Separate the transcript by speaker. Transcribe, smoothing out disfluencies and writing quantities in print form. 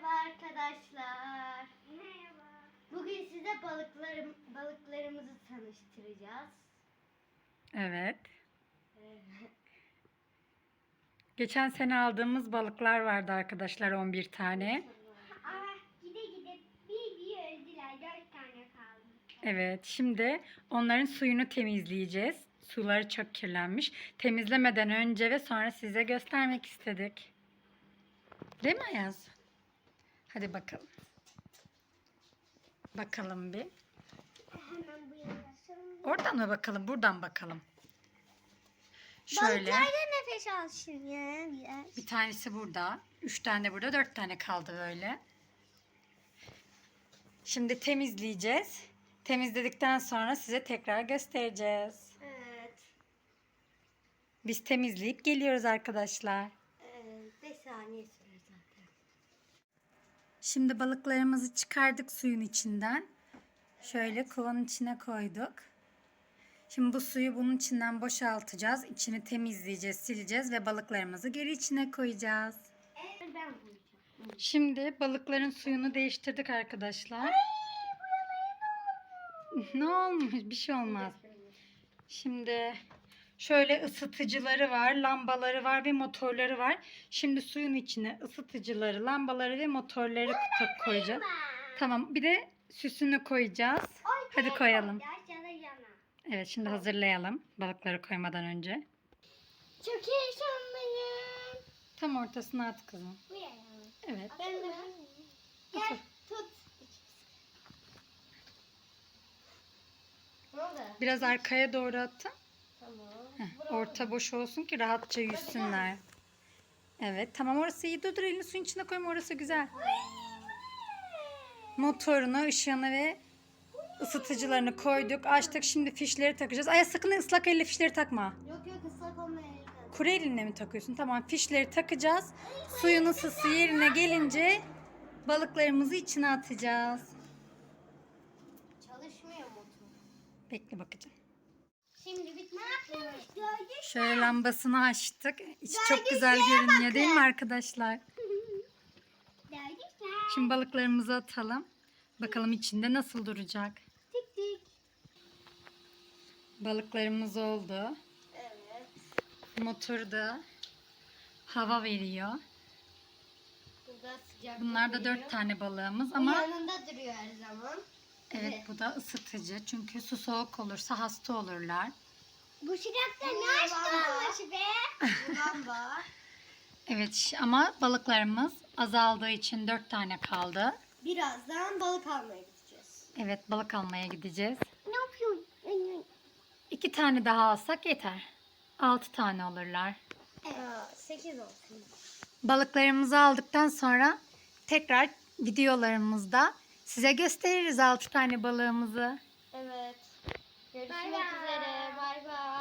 Speaker 1: Merhaba arkadaşlar. Merhaba. Bugün size balıklarımızı tanıştıracağız.
Speaker 2: Evet. Geçen sene aldığımız balıklar vardı arkadaşlar, 11 tane.
Speaker 1: Gide bir öldüler, 4 tane kaldı.
Speaker 2: Evet, şimdi onların suyunu temizleyeceğiz. Suları çok kirlenmiş. Temizlemeden önce ve sonra size göstermek istedik. Değil mi Ayaz? Hadi bakalım. Bakalım bir.
Speaker 1: Hemen bu yana.
Speaker 2: Oradan mı bakalım, buradan bakalım. Şöyle.
Speaker 1: Balıklar da nefes alsın ya biraz.
Speaker 2: Bir tanesi burada. 3 tane burada. 4 tane kaldı böyle. Şimdi temizleyeceğiz. Temizledikten sonra size tekrar göstereceğiz.
Speaker 1: Evet.
Speaker 2: Biz temizleyip geliyoruz arkadaşlar.
Speaker 1: 5 saniye sürer zaten.
Speaker 2: Şimdi balıklarımızı çıkardık suyun içinden. Şöyle kovanın içine koyduk. Şimdi bu suyu bunun içinden boşaltacağız. İçini temizleyeceğiz, sileceğiz ve balıklarımızı geri içine koyacağız.
Speaker 1: Ben koyacağım.
Speaker 2: Şimdi balıkların suyunu değiştirdik arkadaşlar. Ne olmuş? Bir şey olmaz. Şimdi şöyle ısıtıcıları var, lambaları var ve motorları var. Şimdi suyun içine ısıtıcıları, lambaları ve motorları koyacağız. Tamam, bir de süsünü koyacağız. Hadi koyalım. Evet, şimdi hazırlayalım balıkları koymadan önce.
Speaker 1: Çok heyecanlıyım.
Speaker 2: Tam ortasına at kızım.
Speaker 1: Buraya.
Speaker 2: Evet.
Speaker 1: Ben de. Gel tut. Ne oldu?
Speaker 2: Biraz arkaya doğru atın.
Speaker 1: Tamam.
Speaker 2: Orta boş olsun ki rahatça yüzsünler. Evet, tamam, orası iyi. Dur elini suyun içine koyma, orası güzel. Motorunu, ışığını ve ısıtıcılarını koyduk. Açtık, şimdi fişleri takacağız. Ay sakın ıslak elle fişleri takma.
Speaker 1: Yok ıslak olmayan.
Speaker 2: Kuru elinle mi takıyorsun? Tamam, fişleri takacağız. Suyun ısısı yerine gelince balıklarımızı içine atacağız.
Speaker 1: Çalışmıyor motor.
Speaker 2: Bekle, bakacağım.
Speaker 1: Şimdi bitti.
Speaker 2: Şöyle lambasını açtık. İçi çok güzel görünüyor değil mi arkadaşlar? Şimdi balıklarımızı atalım. Bakalım içinde nasıl duracak.
Speaker 1: Tik tik.
Speaker 2: Balıklarımız oldu.
Speaker 1: Evet.
Speaker 2: Motoru da hava veriyor.
Speaker 1: Burada sıcak.
Speaker 2: Bunlar da 4 tane balığımız ama
Speaker 1: yanında duruyor her zaman.
Speaker 2: evet, bu da ısıtıcı. Çünkü su soğuk olursa hasta olurlar.
Speaker 1: Bu sıcakta ne açtı be? Lamba.
Speaker 2: Evet ama balıklarımız azaldığı için 4 tane kaldı.
Speaker 1: Birazdan balık almaya gideceğiz.
Speaker 2: Evet, balık almaya gideceğiz.
Speaker 1: Ne yapıyorsun?
Speaker 2: 2 tane daha alsak yeter. 6 tane olurlar.
Speaker 1: 8 olsun.
Speaker 2: Balıklarımızı aldıktan sonra tekrar videolarımızda size gösteririz 6 tane balığımızı.
Speaker 1: Evet. Görüşmek üzere. Bay bay.